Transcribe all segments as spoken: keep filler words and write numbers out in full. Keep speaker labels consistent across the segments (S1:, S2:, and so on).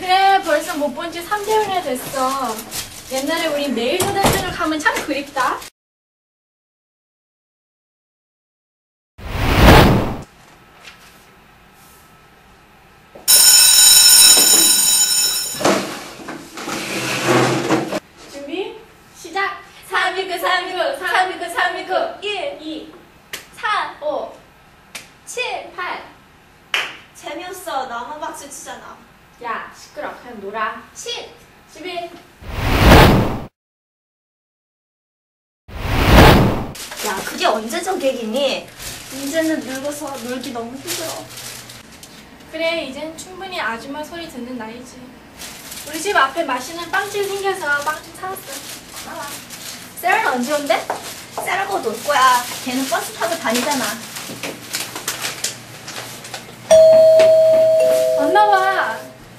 S1: 그래, 벌써 못 본 지 삼 개월이나 됐어. 옛날에 우리 매일 초등학교를 가면 참 그립다. 준비, 시작!
S2: 삼이구 삼이구 삼이구 삼이구
S1: 일, 이,
S2: 사
S1: 오,
S2: 칠
S1: 팔.
S2: 재미없어. 나만 박수 치잖아.
S1: 야, 시끄러. 그냥 놀아.
S2: 십
S1: 십일.
S2: 야, 그게 언제 저객이니? 이제는 늙어서 놀기 너무 힘들어.
S1: 그래, 이젠 충분히 아줌마 소리 듣는 나이지. 우리 집 앞에 맛있는 빵집 생겨서 빵집 사왔어. 나와.
S2: 세라는 언제 온대? 세라가 놀 거야. 걔는 버스 타고 다니잖아.
S1: 안 나와.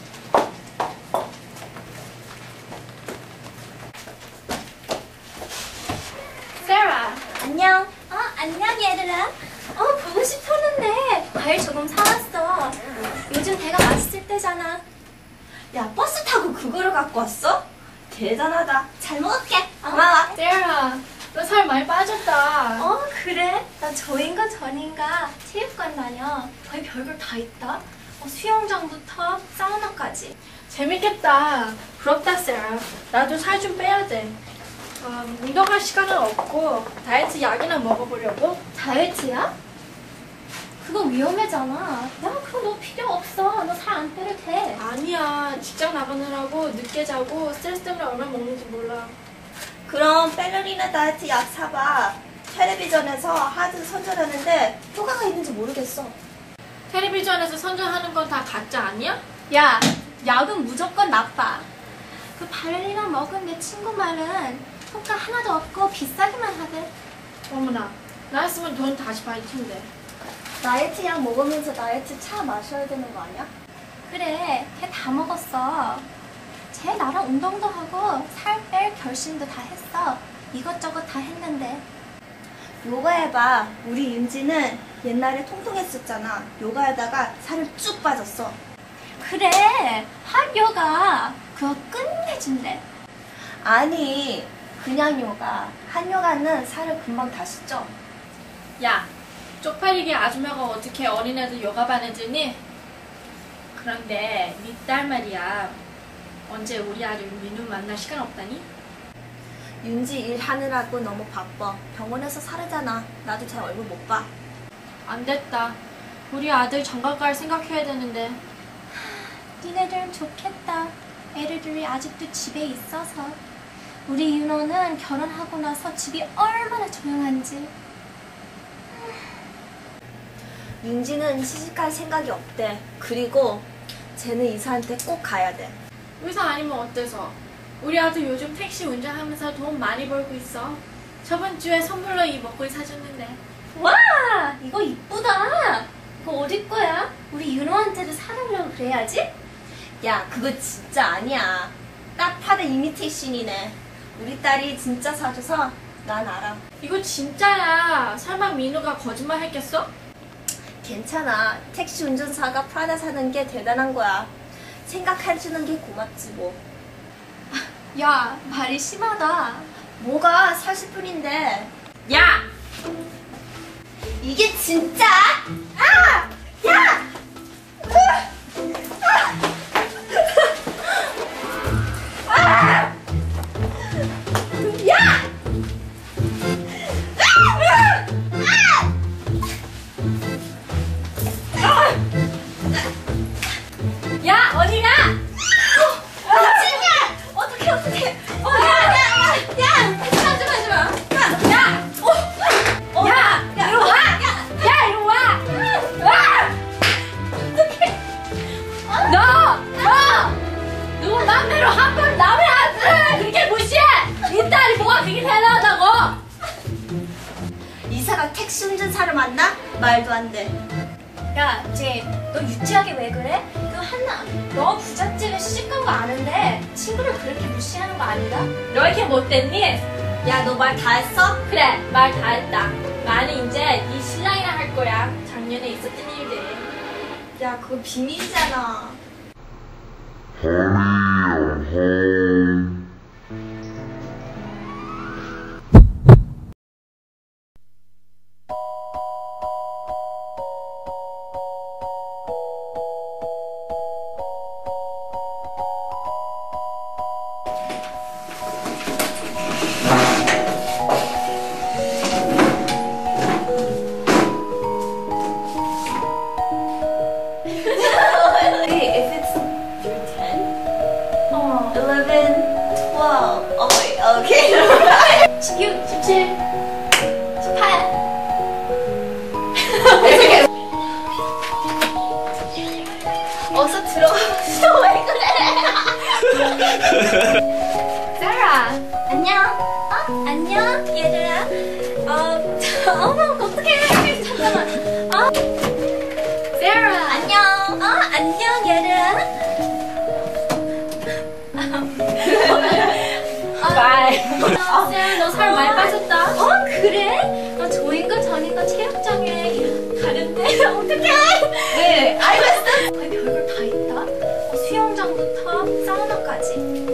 S1: 세라.
S2: 안녕. 어, 안녕 얘들아. 어, 보고 싶었는데 과일 조금 사왔어. 요즘 대가 맛있을 때잖아. 야, 버스 타고 그거를 갖고 왔어? 대단하다. 잘 먹을게. 고마워.
S1: 세라, 너 살 많이 빠졌다.
S2: 어, 그래? 나 저인가 전인가 체육관 다녀. 거기 별걸 다 있다. 어, 수영장부터 사우나까지.
S1: 재밌겠다. 부럽다, 세라. 나도 살 좀 빼야 돼. 아, 운동할 시간은 없고 다이어트 약이나 먹어보려고.
S2: 다이어트야? 그거 위험하잖아. 야, 그거 너 필요 없어. 너 살 안 빼도 돼.
S1: 아니야. 직장 나가느라고 늦게 자고 스트레스 때문에 얼마나 먹는지 몰라.
S2: 그럼 페르리나 다이어트 약 사봐. 텔레비전에서 하도 선전하는데 효과가 있는지 모르겠어.
S1: 텔레비전에서 선전하는 건 다 가짜 아니야?
S2: 야, 약은 무조건 나빠. 그 발레리나 먹은 내 친구 말은 효과 하나도 없고 비싸기만 하대.
S1: 어머나, 나였으면 돈 다시 받을 텐데.
S2: 다이어트 약 먹으면서 다이어트 차 마셔야 되는 거 아니야? 그래, 걔 다 먹었어. 쟤 나랑 운동도 하고 살 뺄 결심도 다 했어. 이것저것 다 했는데. 요가 해봐. 우리 윤지는 옛날에 통통했었잖아. 요가 하다가 살을 쭉 빠졌어. 그래, 핫 요가. 그거 끝내준대. 아니, 그냥 요가. 한 요가는 살을 금방 다시 쪄.
S1: 야, 쪽팔리게 아줌마가 어떻게 어린애들 요가반 해주니? 그런데 네 딸 말이야. 언제 우리 아들 민우 만날 시간 없다니?
S2: 윤지 일하느라고 너무 바빠. 병원에서 살아잖아. 나도 제 얼굴 못 봐.
S1: 안 됐다. 우리 아들 장가 갈 생각해야 되는데.
S2: 니네들은 좋겠다. 애들이 아직도 집에 있어서. 우리 윤호는 결혼하고 나서 집이 얼마나 조용한지. 윤지는 시집갈 생각이 없대. 그리고 쟤는 이사한테 꼭 가야 돼.
S1: 의사 아니면 어때서? 우리 아들 요즘 택시 운전하면서 돈 많이 벌고 있어. 저번 주에 선물로 이 먹거리 사줬는데.
S2: 와! 이거 이쁘다! 이거 어디 거야? 우리 윤호한테도 사달라고 그래야지? 야, 그거 진짜 아니야. 딱 봐도 이미테이션이네. 우리 딸이 진짜 사줘서 난 알아.
S1: 이거 진짜야. 설마 민우가 거짓말 했겠어?
S2: 괜찮아. 택시 운전사가 프라다 사는 게 대단한 거야. 생각해주는 게 고맙지 뭐. 야, 말이 심하다. 뭐가 사실 뿐인데.
S1: 야!
S2: 이게 진짜? 아! 야! 아! 야!
S1: 야, 어디가?
S2: 미친년! 어떡해, 어떡해. 어, 야, 야, 야, 야! 하지 마, 하지 마. 야! 어, 어,
S1: 야!
S2: 야,
S1: 이리 와!
S2: 야!
S1: 야, 이리 와! 와!
S2: 어떡해.
S1: 너! 너! 누구 맘대로 한 번 남의 아들 그렇게 무시해! 네 딸이 뭐가 그렇게 대단하다고!
S2: 이사가 택시 운전사를 만나? 말도 안 돼. 야, 쟤, 너 유치하게 왜 그래? 그 한나, 너 부잣집에 시집간 거 아는데 친구를 그렇게 무시하는 거 아닌가?
S1: 너 이렇게 못됐니?
S2: 야, 너 말 다 했어?
S1: 그래, 말 다 했다. 나는 이제 네 신랑이랑 할 거야. 작년에 있었던 일들.
S2: 야, 그거 비밀이잖아. Wait, if it's through ten? 어. eleven, twelve. Oh wait, okay. 십육, 십칠, 십팔. 어서 들어가서 왜 그래? 세라, 안녕. 어? 안녕, 얘들아. 어, 어머, 어떡해. 잠깐만. 어? 세라, 안녕. 어, 안녕, 얘들아.
S1: 바이. 세라, 너 살 많이 빠졌다.
S2: 어, 그래? 나 조인가 전인가 체육장에 가는데 어떡해? 네, 알겠어. 거기 별걸 다 있다. 어, 수영장부터 사우나까지.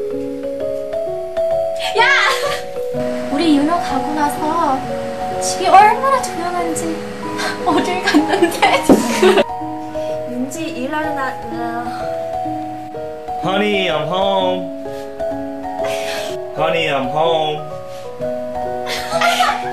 S2: 야! 우리 윤호 가고 나서 집이 얼마나 조용한지 어딜 갔는데? 윤지 일하러 나... 나...
S3: Honey, I'm home. Honey, I'm home.